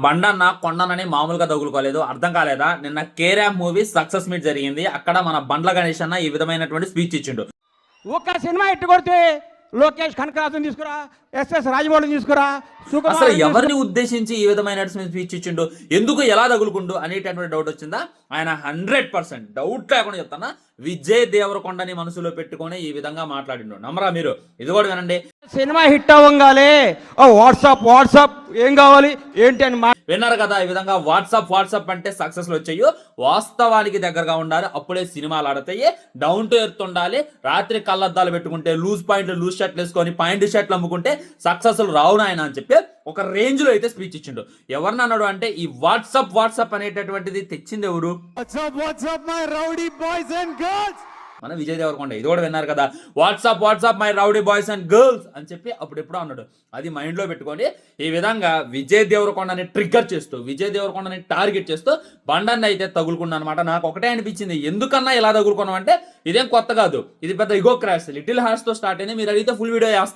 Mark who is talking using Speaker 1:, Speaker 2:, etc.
Speaker 1: బండన్న కొండనని మామూలుగా తగులుకోలేదు. అర్థం కాలేదా? నిన్న కేరామ్ మూవీ సక్సెస్ మీట్ జరిగింది. అక్కడ మన బండ్ల గణేష్ అన్న ఈ విధమైనటువంటి స్పీచ్ ఇచ్చిండు.
Speaker 2: ఒక్క సినిమా ఇట్టు కొడితే లోకేష్ కనకరాజుని తీసుకురా, ఎస్ఎస్ రాజమౌళిని తీసుకురా,
Speaker 1: అసలు ఎవరిని ఉద్దేశించి ఈ విధమైన స్పీచ్ ఇచ్చిండు, ఎందుకు ఎలా తగులుకుండు అనేటటువంటి డౌట్ వచ్చిందా? ఆయన 100% డౌట్ లేకుండా చెప్తానా, విజయ్ దేవరకొండని మనసులో పెట్టుకొని ఈ విధంగా మాట్లాడిండు. నమ్మరా మీరు? ఇది కూడా వినండి.
Speaker 2: సినిమా హిట్ అవ్వగానే వాట్సాప్ ఏం కావాలి ఏంటి అని
Speaker 1: విన్నారు కదా? ఈ విధంగా వాట్సాప్ అంటే సక్సెస్లు వచ్చాయో, వాస్తవానికి దగ్గరగా ఉండాలి, అప్పుడే సినిమాలు ఆడతాయి. డౌన్ టు ఎర్త్ ఉండాలి. రాత్రి కళ్ళద్దాలు పెట్టుకుంటే, లూజ్ షర్ట్లు వేసుకొని పాయింట్ షర్ట్లు అమ్ముకుంటే సక్సెస్లు రావు నాయన అని చెప్పి ఒక రేంజ్ లో అయితే స్పీచ్ ఇచ్చిండు. ఎవరిని అన్నాడు అంటే, ఈ వాట్సాప్ అనేటటువంటిది తెచ్చింది ఎవరు? మన విజయ్ దేవరకొండ. ఇది కూడా విన్నారు కదా? WhatsApp my rowdy boys and girls అని చెప్పి అప్పుడెప్పుడు అన్నాడు. అది మైండ్ లో పెట్టుకొని ఈ విధంగా విజయ్ దేవరకొండని ట్రిగ్గర్ చేస్తూ, విజయ్ దేవరకొండని టార్గెట్ చేస్తూ బండాన్ని అయితే తగులుకున్నా అనమాట. నాకు ఒకటే అనిపించింది, ఎందుకన్నా ఇలా తగులుకున్నాం అంటే ఇదేం కొత్త కాదు, ఇది పెద్ద ఇగో క్రాష్. లిటిల్ హార్ట్స్ తో స్టార్ట్ అయింది. మీరు అడిగితే ఫుల్ వీడియో చేస్తాను.